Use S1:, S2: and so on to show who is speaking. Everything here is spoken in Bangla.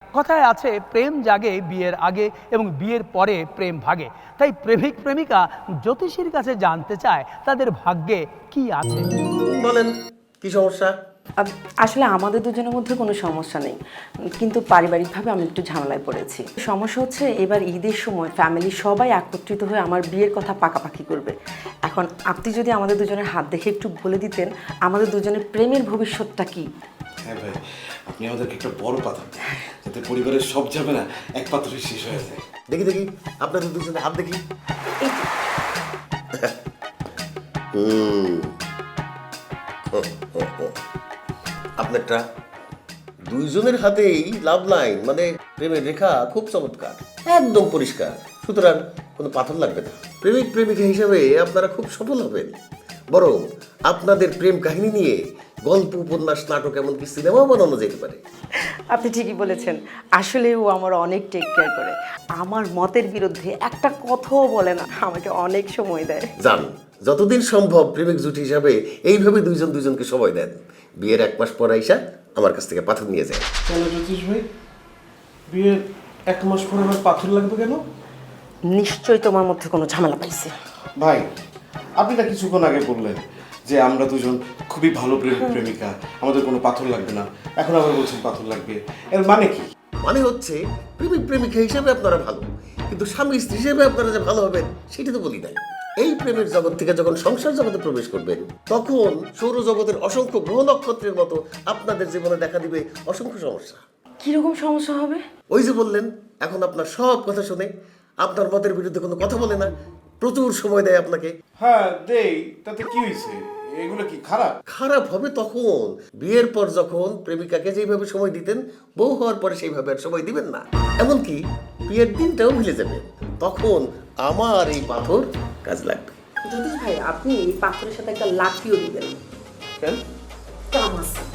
S1: কথায় আছে প্রেম জাগে বিয়ের আগে এবং বিয়ের পরে প্রেম ভাগে। তাই প্রেমিক প্রেমিকা জ্যোতিষীর কাছে জানতে চায় তাদের ভাগ্যে কি আছে।
S2: বলেন কি সমস্যা?
S3: আসলে আমাদের দুজনের মধ্যে কোনো সমস্যা নেই, কিন্তু পারিবারিকভাবে আমি একটু ঝামেলায় পড়েছি। সমস্যা হচ্ছে এবার ঈদের সময় ফ্যামিলি সবাই একত্রিত হয়ে আমার বিয়ের কথা পাকাপাকি করবে। এখন আপনি যদি আমাদের দুজনের হাত দেখে একটু বলে দিতেন আমাদের দুজনের প্রেমের ভবিষ্যৎটা কি।
S4: হ্যাঁ ভাই, আপনি আমাদেরকে একটা বড় পাথর দিন, যাতে পরিবারের সব যাবে না এক পাথরে শেষ হয়ে যায়।
S2: দেখি দেখি আপনাদের দুজনে হাত দেখি। আপনারটা দুইজনের হাতেই লাভ লাইন, মানে প্রেমের রেখা খুব চমৎকার, একদম পরিষ্কার। সুতরাং কোনো পাথর লাগবে না। প্রেমিক প্রেমিকা হিসেবে আপনারা খুব সফল হবেন। বরং আপনাদের প্রেম কাহিনী নিয়ে গল্প, উপন্যাস, নাটক, এমনকি সিনেমাও বানানো যেতে পারে।
S3: আপনি ঠিকই বলেছেন, আসলে ও আমার অনেক টেক কেয়ার করে, আমার মতের বিরুদ্ধে একটা কথাও বলে না, আমাকে অনেক সময় দেয়।
S2: জান, যতদিন সম্ভব প্রেমিক জুটি হিসাবে এইভাবে দুইজন দুইজনকে সময় দেন। বিয়ের 1 মাস পর আইসা আমার কাছ থেকে পাথর নিয়ে যায়।
S4: কেন জ্যোতিষ ভাই, বিয়ের 1 মাস পরে আমার পাথর লাগবে কেন?
S3: নিশ্চয়ই তোমার মধ্যে কোনো ঝামেলা পাইছে।
S4: ভাই, আপনি না কিছুক্ষণ আগে বললেন যে আমরা দুজন খুবই ভালো প্রেমিক প্রেমিকা, আমাদের কোনো পাথর লাগবে না, এখন আবার বলছেন পাথর লাগবে। এর মানে কি?
S2: মানে হচ্ছে প্রেমিক প্রেমিকা হিসেবে আপনারা ভালো, কিন্তু স্বামী স্ত্রী হিসেবে আপনারা যে ভালো হবেন সেটা তো বলি নাই। এই প্রেমের জগৎ থেকে যখন সংসার জগতে প্রবেশ করবেন, তখন সৌরজগতের অসংখ্য গ্রহ নক্ষত্রের মতো আপনাদের জীবনে দেখা দিবে অসংখ্য সমস্যা।
S3: কিরকম সমস্যা হবে?
S2: ওই যে বললেন, এখন আপনার সব কথা শুনে, আপনার মতের বিরুদ্ধে কোনো কথা বলে না, প্রচুর সময় দেয় আপনাকে।
S4: হ্যাঁ দেই, তাতে কি হয়েছে? এগুলো কি খারাপ?
S2: খারাপ হবে তখন বিয়ের পর, যখন প্রেমিকাকে যেভাবে সময় দিতেন, বউ হওয়ার পরে সেইভাবে আর সময় দিবেন না। এমনকি বিয়ের দিনটাও ভুলে যাবেন। তখন আমার এই পাথর কাজ লাগবে।
S3: জ্যোতিষ ভাই, আপনি এই পাথরের সাথে একটা লাঠিও দিবেন।
S4: কেন?
S3: কাম আছে।